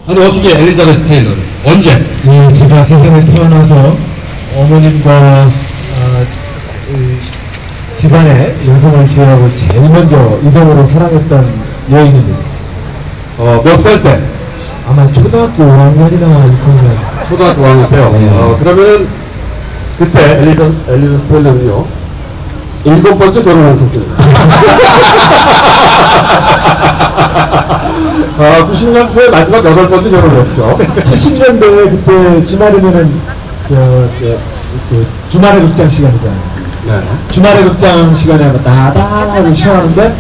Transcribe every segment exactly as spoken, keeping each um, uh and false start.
아니 어떻게 엘리자베스 테일러를 언제? 예, 제가 세상에 태어나서 어머님과 아, 이, 집안의 여성을 제외하고 제일 먼저 이성으로 사랑했던 여인입니다. 어, 몇 살 때? 아마 초등학교 오 학년이나 육 학년. 초등학교 오 학년 때요. 네. 어, 그러면은 그때 엘리자, 엘리자베스 테일러는요 일곱 번째 결혼한 성격입니다. 아, 구십 년 후에 마지막 여덟 번째 결혼을 했죠. 칠십 년대에 그때 주말이면은 저, 저, 그 주말의 극장 시간이잖아요. 네. 주말의 극장 시간에 나다다고 시작하는데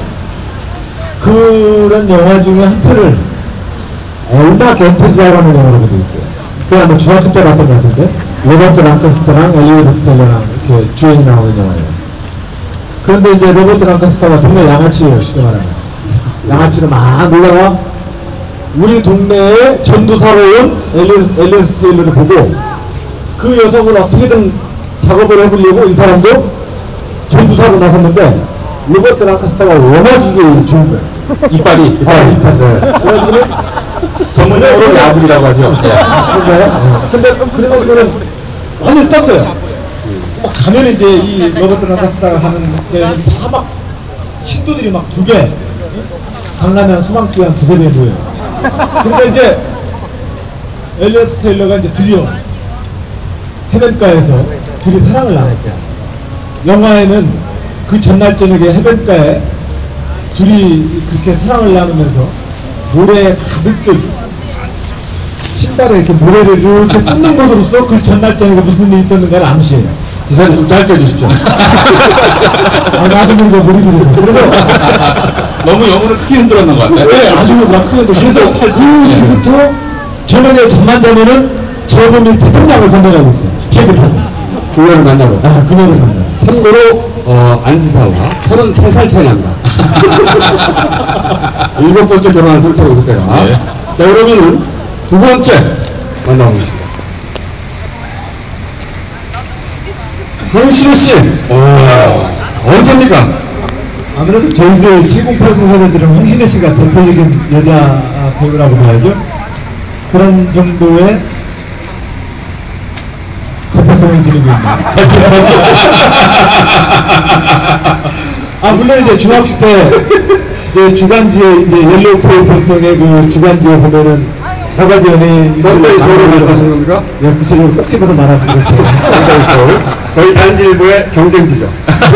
그런 영화 중에 한 편을 얼마 견태지라는 영화로 돼 있어요. 그게 아마 중학교 때 봤던 것 같은데 로버트 랑카스터랑 엘리자베스 테일러랑 이렇게 주연이 나오는 영화예요. 그런데 이제 로버트 랑카스터가 동네 양아치예요, 쉽게 말하면. 양아치로 막 놀다가 우리 동네에 전도사로 온 엘리자베스 테일러를 보고 그 여성을 어떻게든 작업을 해보려고 이 사람도 전도사로 나섰는데 로버트 랑카스터가 워낙 이게 좋은 거예요. 이빨이, 이빨이. 이빨. 네. 그래가지고 전문용어로 야불이라고 하죠. 그런가요? 근데 그래가지고는 완전히 떴어요. 막 가면 이제 이 로버트 랑카스터가 하는 데는 다 막 신도들이 막 두 배, 강남에 소망교회 한 두세 배 모여요. 그러니까 이제 엘리자베스 테일러가 이제 드디어 해변가에서 둘이 사랑을 나눴어요. 영화에는 그 전날 저녁에 해변가에 둘이 그렇게 사랑을 나누면서 모래에 가득 신발에 이렇게 모래를 이렇게 쏟는 것으로서 그 전날 저녁에 무슨 일이 있었는가를 암시해요. 지사님 좀 짧게 해주십시오. 아, 나도 모르고 몰입이 돼서. 그래서 너무 영혼을 크게 흔들었는 것 같아요. 네, 아주 막 크게 흔들어서 그래서 그 뒤부터 저녁에 잠만 자면은 저분이 태평양을 건너가고 있어요. 케이크 타고. 그녀를 만나고. 아, 그녀를 만나. 참고로 어, 안지사와 서른세 살 차이 납니다. 일곱 번째 결혼한 상태로 그때가. 네. 자, 그러면은 두 번째 만나보겠습니다. 황신혜 씨. 오, 언제입니까? 아무래도 저희들 칠공팔구 세대들은 황신혜 씨가 대표적인 여자 배우라고 봐야죠. 그런 정도의 대표성을 지니고 있는. 아, 물론 이제 중학교 때, 이제 주간지에, 이제 옐로우 페이퍼성의 그 주간지에 보면은 여러 가지 연예인. 선데이 서울을 말씀하시는 겁니까? 네, 구체적으로 꼭 집어서 말하는 거죠. 선데이 서울. 거의 단지일보의 경쟁지죠.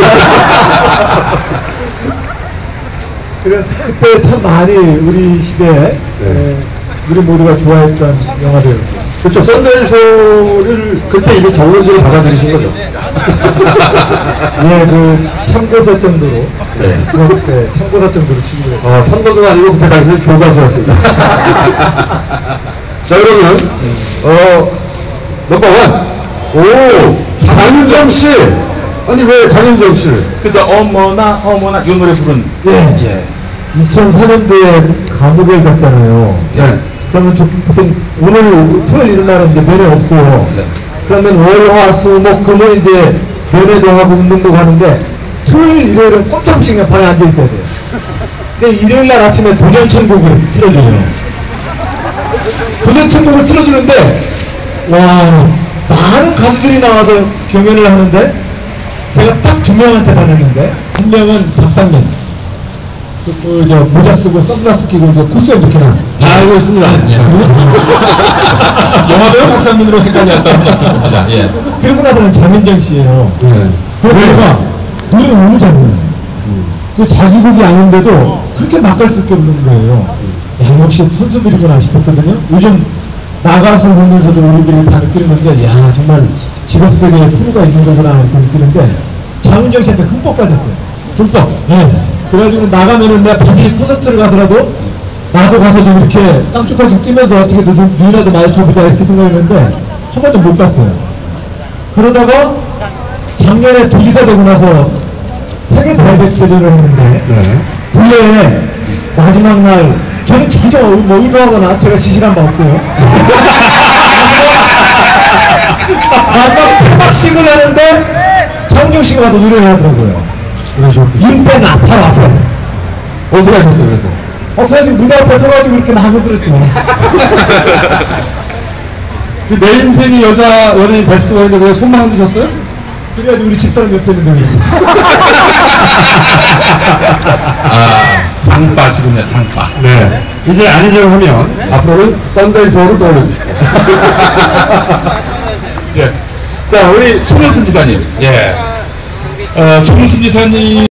그래서 그때 참 많이 우리 시대에, 네. 에, 우리 모두가 좋아했던 영화들이었죠. 그렇죠. 선데이 서울을 그때 이미 정원지로 받아들이신 거죠. 예, 그 참고서 정도로. 네. 그때 참고서 정도로 친구를. 어, 선거가 아니고 그때 당시에 교과서였습니다. 자, 그러면, 어, 넘버원. 오, 장윤정 씨. 아니, 왜 장윤정 씨? 그죠. 어머나, 어머나, 이 노래 부른. 예. 예. 이천사 년도에 감옥에 갔잖아요. 네. 그러면 저, 보통 오늘 토요일 이런 날은 이제 면회 없어요. 네. 그러면 월, 화, 수, 목, 금은 이제 면회도 하고 운동도 하는데 토요일, 일요일은 꼼짝없이 그냥 방에 앉아 있어야 돼요. 근데 일요일 날 아침에 도전천국을 틀어줘요. 도전천국을 틀어주는데 와, 많은 가수들이 나와서 경연을 하는데 제가 딱 두 명한테 받았는데 한 명은 박상민. 그, 그, 저, 모자 쓰고 선글라스 끼고 저 코스 이렇게 나. 다 알고 있습니다. 예. 영화배우 박상민으로 헷갈려 사람입니다. 예. 그러고 나서는 장민정 씨예요. 네. 그래서 제가 노래 너무 잘 불러요. 그 자기 곡이 아닌데도 그렇게 막갈 수밖에 없는 거예요. 야, 역시 선수들이구나 싶었거든요. 요즘 나가서 보면서도 우리들이 다 느끼는 건데, 야, 정말 직업세계에 프로가 있는 거구나 이렇게 느끼는데, 장윤정 씨한테 흠뻑 빠졌어요. 흠뻑. 예. 그래가지고 나가면은 내가 바디 콘서트를 가더라도 나도 가서 좀 이렇게 깡쭉하게 좀 뛰면서 어떻게 눈이라도 마주쳐보자 이렇게 생각했는데 한 번도 못 갔어요. 그러다가 작년에 도지사 되고 나서 세계 대백제전을 했는데 네. 부여에 마지막 날 저는 전혀 뭐 의도하거나 제가 지시한 바 없어요. 마지막 폐막식을 하는데 장윤정 씨가 가서 노래를 하더라고요. 그러셨군요. 윤배나 바로 앞에. 어떻게 하셨어요, 그래서? 어, 그래가지고 무대 앞에 서가지고 이렇게 막 흔들었죠. 그 내 인생이 여자 연예인 베스트원인데 왜 손만 흔드셨어요? 그래가지고 우리 집사람 옆에 있는데. 아, 장빠시군요, 장빠. 네. 이제 아니죠 하면 앞으로는 썬데이 쇼를 또 예. 자, 우리 송현순 지사님. 예. 어, 송현순 지사님.